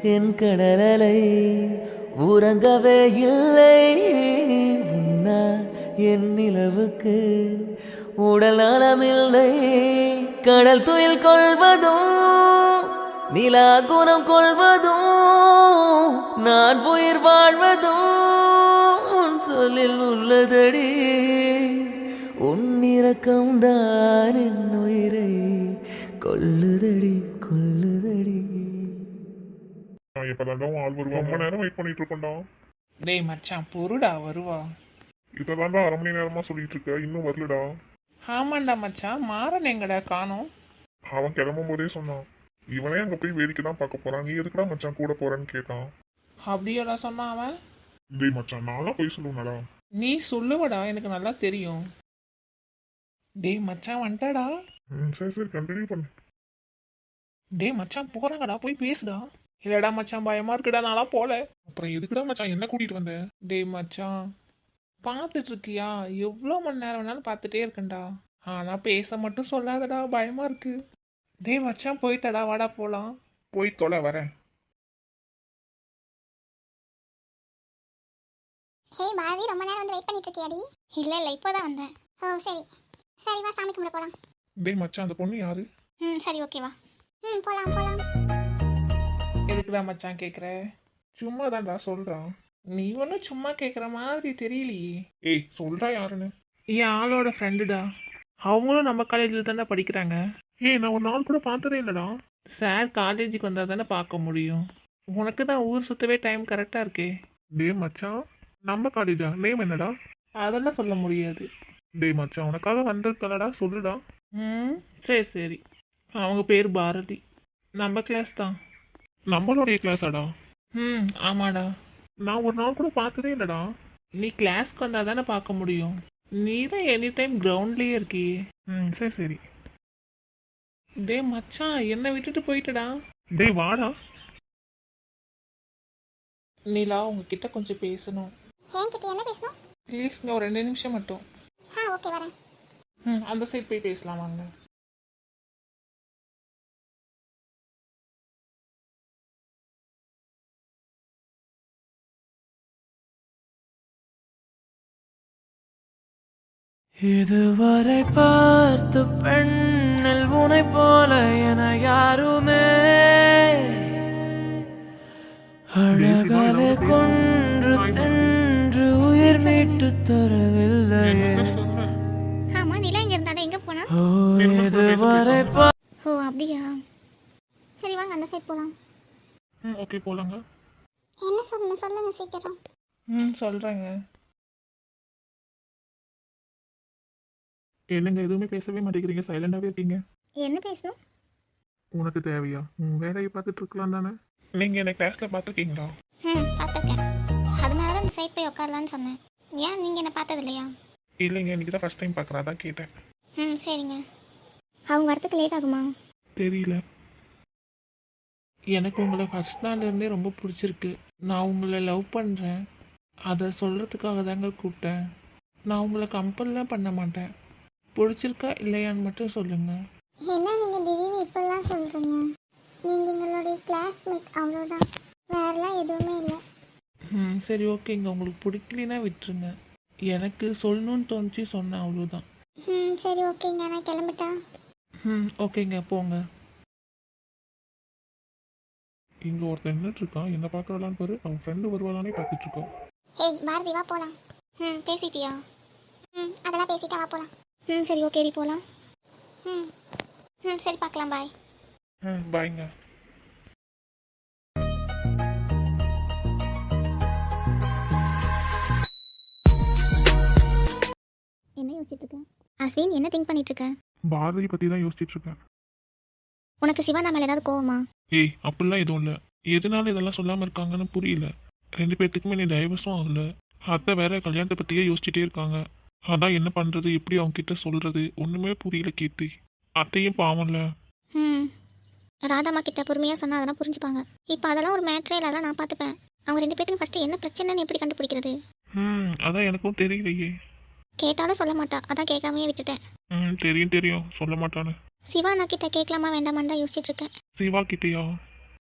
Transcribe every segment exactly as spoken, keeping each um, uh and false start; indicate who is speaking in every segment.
Speaker 1: என் கடலலை உறங்கவே இல்லை. உன்னால் என் நிலவுக்கு உடல் நலமில்லை. கடல் துயில் கொள்வதும் நிலா குணம் கொள்வதும் நான் உயிர் வாழ்வதும் உன் சொல்லில் உள்ளதடி. உன் இரக்கம்தான் என் உயிரை கொல்லுதடி கொல்லுதடி.
Speaker 2: எப்பதாண்டா ஆள் வருவா? ரொம்ப நேரம் வெயிட் பண்ணிட்டு இருக்கோம்டா.
Speaker 3: டேய் மச்சான் பொறுடா வருவா.
Speaker 2: இததாண்டா அரை மணி நேரமா சொல்லிட்டு இருக்க, இன்னும் வரலடா.
Speaker 3: ஆமாண்டா மச்சான் மாறன் எங்கடா காணோம்.
Speaker 2: அவன் கிளம்பும் போதே சொன்னான், இவனே அங்க போய் வேடிக்கை தான் பார்க்க போறான், நீ எதுக்குடா மச்சான் கூட போறேன்னு கேட்டான்.
Speaker 3: அப்படியோடா சொன்னான் அவன்.
Speaker 2: டேய் மச்சான் நான்லாம் போய் சொல்லுவேன்டா.
Speaker 3: நீ சொல்லுவடா எனக்கு நல்லா தெரியும். டேய் மச்சான் வந்துட்டாடா.
Speaker 2: ம் சரி சரி கண்டினியூ பண்ணு.
Speaker 3: டேய் மச்சான் போறாங்கடா போய் பேசுடா. இல்லடா மச்சான் பயமா இருக்குடா நாளா போல.
Speaker 2: அப்புறம் எதுக்குடா மச்சான் என்ன கூட்டிட்டு வந்த?
Speaker 3: டேய் மச்சான் பார்த்துட்டு இருக்கியா எவ்வளோ மணி நேரம் வேணாலும் பார்த்துட்டே இருக்கேன்டா. ஆனா பேச மட்டும் சொல்லாதடா பயமா இருக்கு. டேய் மச்சான் போயிட்டடா வாடா போலாம்.
Speaker 2: போய் தொலை வரேன்.
Speaker 4: ஹே பாரதி, ரொம்ப நேரம் வந்து வெயிட் பண்ணிட்டு இருக்கியாடி? இல்ல இல்ல இப்போதான் வந்தேன். ஓ சரி சரி வா சாமி கும்பிட போலாம்.
Speaker 2: டேய் மச்சான் அந்த பொண்ணு யாரு?
Speaker 4: ம் சரி ஓகேவா. ம் போலாம் போலாம்.
Speaker 3: எதுக்குடா மச்சான் கேட்குற?
Speaker 2: சும்மா தான்டா சொல்றான்.
Speaker 3: நீ ஒன்றும் சும்மா கேட்குற மாதிரி தெரியலையே.
Speaker 2: ஏய் சொல்றா யாருன்னு.
Speaker 3: என் ஆளோட ஃப்ரெண்டுடா. அவங்களும் நம்ம காலேஜில் தானே படிக்கிறாங்க.
Speaker 2: ஏய் நான் ஒரு நாள் கூட பார்த்ததே இல்லடா.
Speaker 3: சார் காலேஜுக்கு வந்தால் தானே பார்க்க முடியும். உனக்கு தான் ஊர் சுற்றவே டைம் கரெக்டாக இருக்கே.
Speaker 2: டேய் மச்சான் நம்ம காலேஜா? நேம் என்னடா?
Speaker 3: அதெல்லாம் சொல்ல முடியாது.
Speaker 2: டேய் மச்சான் உனக்காக வந்திருக்கலடா, சொல்லுடா.
Speaker 3: ம் சரி சரி. அவங்க பேர் பாரதி. நம்ம கிளாஸ் தான்.
Speaker 2: நம்மளுடைய கிளாஸாடா?
Speaker 3: ம் ஆமாடா.
Speaker 2: நான் ஒரு நாள் கூட பார்த்ததே இல்லடா.
Speaker 3: நீ கிளாஸ்க்கு வந்தால் தானே பார்க்க முடியும். நீ தான் எனி டைம் கிரவுண்ட்லேயே இருக்கியே.
Speaker 2: ம் சரி சரி.
Speaker 3: டே மச்சான் என்னை விட்டுட்டு போயிட்டடா.
Speaker 2: டேய் வாடா.
Speaker 3: நீலா உங்ககிட்ட கொஞ்சம் பேசணும்.
Speaker 4: என்கிட்ட என்ன பேசணும்?
Speaker 3: ப்ளீஸ்ங்க ஒரு ரெண்டு நிமிஷம் மட்டும்.
Speaker 4: ஆ ஓகே வரேன்.
Speaker 3: ம் அந்த சைட் போய் பேசலாம் வாங்க.
Speaker 1: இதுவரை பார்த்த பெண்ணில் உனை போல என யாருமே அழகாலே கொன்று தின்று உயிர் மீட்டு தரவில்லையே.
Speaker 4: ஆமா நிலா இங்க இருந்தாடா, எங்க போனா?
Speaker 1: ஓ இதுவரை பா-
Speaker 4: ஓ அப்படியா? சரி வாங்க அந்த சைடு போலாம்.
Speaker 2: ம் ஓகே போலாங்க.
Speaker 4: என்ன சொல்லணும் சொல்லுங்க சீக்கிரம்.
Speaker 3: ம் சொல்கிறேங்க.
Speaker 2: என்னங்க எதுவுமே பேசவே மாட்டேங்கிறீங்க, சைலண்டாகவே இருக்கீங்க.
Speaker 4: என்ன பேசணும்?
Speaker 2: உனக்கு தேவையா? உன் வேலையை பார்த்துட்டு இருக்கலாம் தானே. நீங்கள் என்ன கிளாஸில் பார்த்துருக்கீங்களா?
Speaker 4: ம் பார்த்துருக்கேன். அதனால தான் இந்த சைட் போய் உட்காரலான்னு சொன்னேன். ஏன் நீங்கள் என்ன பார்த்தது இல்லையா?
Speaker 2: இல்லைங்க இன்னைக்கு தான் ஃபஸ்ட் டைம் பார்க்குறேன், அதான் கேட்டேன்.
Speaker 4: ம் சரிங்க. அவங்க வரத்துக்கு லேட் ஆகுமா?
Speaker 2: தெரியல.
Speaker 3: எனக்கு உங்களை ஃபஸ்ட் நாள்லேருந்தே ரொம்ப பிடிச்சிருக்கு. நான் உங்களை லவ் பண்ணுறேன். அதை சொல்கிறதுக்காக தாங்க கூப்பிட்டேன். நான் உங்களை கம்பல்லாம் பண்ண மாட்டேன். பிடிச்சிருக்கா இல்லையான்னு மட்டும் சொல்லுங்கள்.
Speaker 4: என்ன நீங்கள் திடீர்னு இப்படிலாம் சொல்கிறீங்க? நீங்கள் எங்களுடைய கிளாஸ்மேட் அவ்வளோதான், வேறெல்லாம் எதுவுமே இல்லை.
Speaker 3: ம் சரி ஓகேங்க. உங்களுக்கு பிடிக்கலனா விட்டுருங்க. எனக்கு சொல்லணும்னு தோணுச்சு சொன்னேன் அவ்வளோதான்.
Speaker 4: ம் சரி ஓகேங்க, நான் கிளம்பிட்டா?
Speaker 3: ம் ஓகேங்க போங்க.
Speaker 2: இங்கே ஒருத்தன் நின்றுட்டு இருக்கான், என்ன பார்க்கலான்னு பாரு. அவன் ஃப்ரெண்டு வருவாளானே பார்த்துட்டு இருக்கோம்.
Speaker 4: ஏய் பாரதி வா போகலாம். ம் பேசிட்டியா? ம் அதெல்லாம் பேசிட்டா வா போகலாம். ம் சரி ஓகேடி போகலாம். ம் ம் சரி பார்க்கலாம், பாய்.
Speaker 2: ம் பாய்ங்க.
Speaker 4: என்ன யோசிச்சுட்டு இருக்க அஸ்வின்? என்ன திங்க் பண்ணிட்டு இருக்க?
Speaker 2: பாரதி பற்றி தான் யோசிச்சுட்டு இருக்கேன்.
Speaker 4: உனக்கு சிவா மேலே ஏதாவது கோவமா?
Speaker 2: ஏய் அப்படிலாம் எதுவும் இல்லை. எதனால இதெல்லாம் சொல்லாமல் இருக்காங்கன்னு புரியல. ரெண்டு பேர்த்துக்குமே நீ டைவர்ஸும் ஆகல. அத்தை வேற கல்யாணத்தை பற்றியே யோசிச்சுட்டே இருக்காங்க. அதான் என்ன பண்ணுறது, எப்படி அவங்க கிட்ட சொல்கிறது ஒன்றுமே புரியல கீர்த்தி. அத்தையும் பாவம்ல.
Speaker 4: ம் ராதாம்மா கிட்ட பொறுமையாக சொன்னால் அதெல்லாம் புரிஞ்சுப்பாங்க. இப்போ அதெல்லாம் ஒரு மேட்ரே இல்லை, அதெல்லாம் நான் பார்த்துப்பேன். அவங்க ரெண்டு பேத்துக்கு ஃபஸ்ட்டு என்ன பிரச்சனைன்னு எப்படி கண்டுபிடிக்கிறது?
Speaker 2: ம் அதான் எனக்கும் தெரியலையே.
Speaker 4: கேட்டாலும் சொல்ல மாட்டா, அதான் கேட்காமையே விட்டுட்டேன்.
Speaker 2: ம் தெரியும் தெரியும் சொல்ல மாட்டானு.
Speaker 4: சிவா நான் கிட்ட கேட்கலாமா வேண்டாமான்னு தான் யோசிச்சுட்டு இருக்கேன்.
Speaker 2: சிவா கிட்டேயா?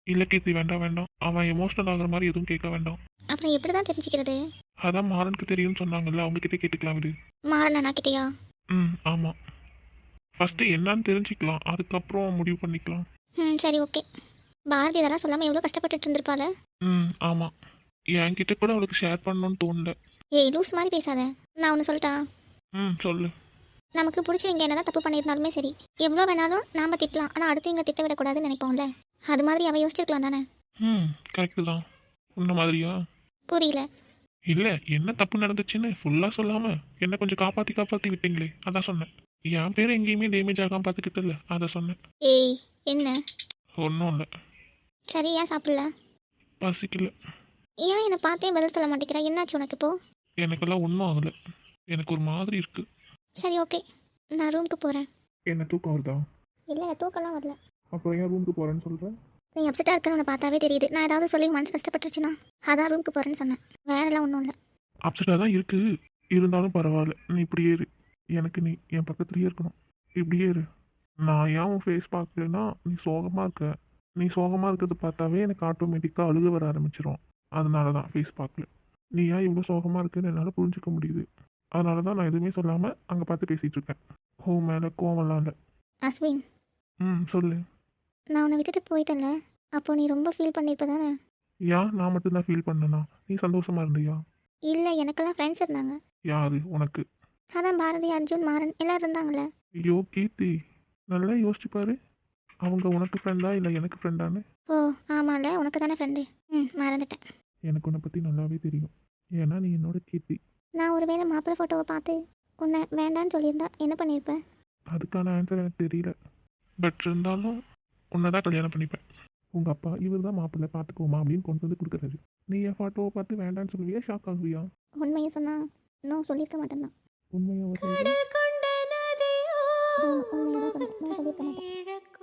Speaker 2: இல்லை கீர்த்தி வேண்டாம் வேண்டாம், அவன் எமோஷனல் ஆகுற மாதிரி எதுவும் கேட்க வேண்டாம்.
Speaker 4: அப்புறம் எப்படி தான் தெரிஞ்சுக்கிறது?
Speaker 2: அதான் மாறனுக்கு தெரியும்னு சொன்னாங்கல்ல, அவங்ககிட்ட கேட்டுக்கலாம் விடு.
Speaker 4: மாறனா கிட்டேயா?
Speaker 2: ம் ஆமாம், ஃபஸ்ட்டு என்னன்னு தெரிஞ்சுக்கலாம், அதுக்கப்புறம் முடிவு பண்ணிக்கலாம்.
Speaker 4: ம் சரி ஓகே. பாரதி இதெல்லாம் சொல்லாமல் எவ்வளோ கஷ்டப்பட்டுட்டு இருந்திருப்பாள.
Speaker 2: ம் ஆமாம், என்கிட்ட கூட அவளுக்கு ஷேர் பண்ணணும்னு தோணல.
Speaker 4: ஏய் லூஸ் மாதிரி பேசாத. நான் ஒன்று சொல்லிட்டா?
Speaker 2: ம் சொல்லு.
Speaker 4: நமக்கு பிடிச்சவங்க என்னதான் தப்பு பண்ணியிருந்தாலுமே சரி, எவ்வளோ வேணாலும் நாம் திட்டலாம், ஆனால் அடுத்தவங்களை திட்ட விடக்கூடாதுன்னு நினைப்போம்ல. அது மாதிரி அவள் யோசிச்சிருக்கலாம் தானே?
Speaker 2: ம் கரெக்டு தான். உன்ன மாதிரியா?
Speaker 4: புரியல.
Speaker 2: இல்லை என்ன தப்பு நடந்துச்சுன்னு ஃபுல்லாக சொல்லாமல் என்ன கொஞ்சம் காப்பாற்றி காப்பாற்றி விட்டீங்களே, அதான் சொன்னேன். என் பேர் எங்கேயுமே டேமேஜ் ஆகாமல் பார்த்துக்கிட்டு இல்லை, அதை சொன்னேன்.
Speaker 4: ஏய் என்ன?
Speaker 2: ஒன்றும் இல்லை,
Speaker 4: சரி ஏன் சாப்பிடல?
Speaker 2: பசிக்கல.
Speaker 4: ஏன் என்னை பார்த்தே பதில் சொல்ல மாட்டேங்கிறா? என்னாச்சு உனக்கு இப்போ?
Speaker 2: எனக்கெல்லாம் ஒன்றும் ஆகலை, எனக்கு ஒரு மாதிரி இருக்குது.
Speaker 4: சரி ஓகே, நான் ரூமுக்கு போகிறேன்.
Speaker 2: என்ன தூக்கம் வருதா?
Speaker 4: இல்லை தூக்கம்லாம் வரல.
Speaker 2: அப்புறம் ஏன் ரூமுக்கு போகிறேன்னு சொல்கிறேன்?
Speaker 4: நீ அப்செட்டாக இருக்குன்னு உன்னை பார்த்தாவே தெரியுது. நான் ஏதாவது சொல்லி மனசு கஷ்டப்பட்டுருச்சுன்னா அதான் ரூமுக்கு போகிறேன்னு சொன்னேன், வேறெல்லாம் ஒன்றும் இல்லை.
Speaker 2: அப்செட்டாக தான் இருக்குது, இருந்தாலும் பரவாயில்ல, நீ இப்படியே இரு. எனக்கு நீ என் பக்கத்துலேயே இருக்கணும், இப்படியே இரு. நான் ஏன் உன் ஃபேஸ் பார்க்கலன்னா நீ சோகமாக இருக்க, நீ சோகமாக இருக்கிறத பார்த்தாவே எனக்கு ஆட்டோமேட்டிக்காக அழுக வர ஆரம்பிச்சிடும். அதனால தான் ஃபேஸ் பார்க்கல. நீ ஏன் இவ்வளோ சோகமாக இருக்குன்னு என்னால் புரிஞ்சிக்க முடியுது. அதனால தான் நான் எதுவுமே சொல்லாமல் அங்கே பார்த்து பேசிகிட்டு இருக்கேன். ஹோ மேலே கோவம்லாம் இல்லை.
Speaker 4: அஸ்வின்,
Speaker 2: ம் சொல்லு.
Speaker 4: நான் உன்னை விட்டுட்டு போயிட்டேன்ல, அப்போ நீ ரொம்ப ஃபீல் பண்ணியிருப்ப தானே?
Speaker 2: ஏன் நான் மட்டும்தான் ஃபீல் பண்ணனா? நீ சந்தோஷமாக இருந்தியா?
Speaker 4: இல்லை எனக்கெல்லாம் ஃப்ரெண்ட்ஸ் இருந்தாங்க.
Speaker 2: யாரு உனக்கு?
Speaker 4: அதான் பாரதி, அர்ஜுன், மாறன் எல்லோரும் இருந்தாங்களே.
Speaker 2: ஐயோ கீர்த்தி, நல்லா யோசிச்சு பாரு, அவங்க உனக்கு ஃப்ரெண்டா இல்லை எனக்கு ஃப்ரெண்டான்னு.
Speaker 4: ஓ ஆமாம்ல, உனக்கு தானே ஃப்ரெண்டு. ம் மறந்துட்டேன்.
Speaker 2: எனக்கு உன்னை பற்றி நல்லாவே தெரியும், ஏன்னா நீ என்னோட கீர்த்தி.
Speaker 4: நான் ஒருவேளை மாப்பிள்ளை ஃபோட்டோவை பார்த்து உன்னை வேண்டான்னு சொல்லியிருந்தா என்ன பண்ணியிருப்பேன்?
Speaker 2: அதுக்கான ஆன்சர் எனக்கு தெரியல, பட் இருந்தாலும் உன்னை தான் கல்யாணம் பண்ணிப்பேன். உங்கள் அப்பா இவர் தான் மாப்பிள்ளை பார்த்துக்கோமா அப்படின்னு கொண்டு வந்து கொடுக்குறாரு. நீ என் ஃபோட்டோவை பார்த்து வேண்டான்னு சொல்லுவியா, ஷாக் ஆகுவியா?
Speaker 4: உண்மையை சொன்னால் இன்னும் சொல்லியிருக்க மாட்டேன் தான்.
Speaker 2: உண்மையாக
Speaker 1: கடல் கொண்ட நதியோ
Speaker 4: உண்மையாக தான் சொல்லியிருக்க மாட்டேன்.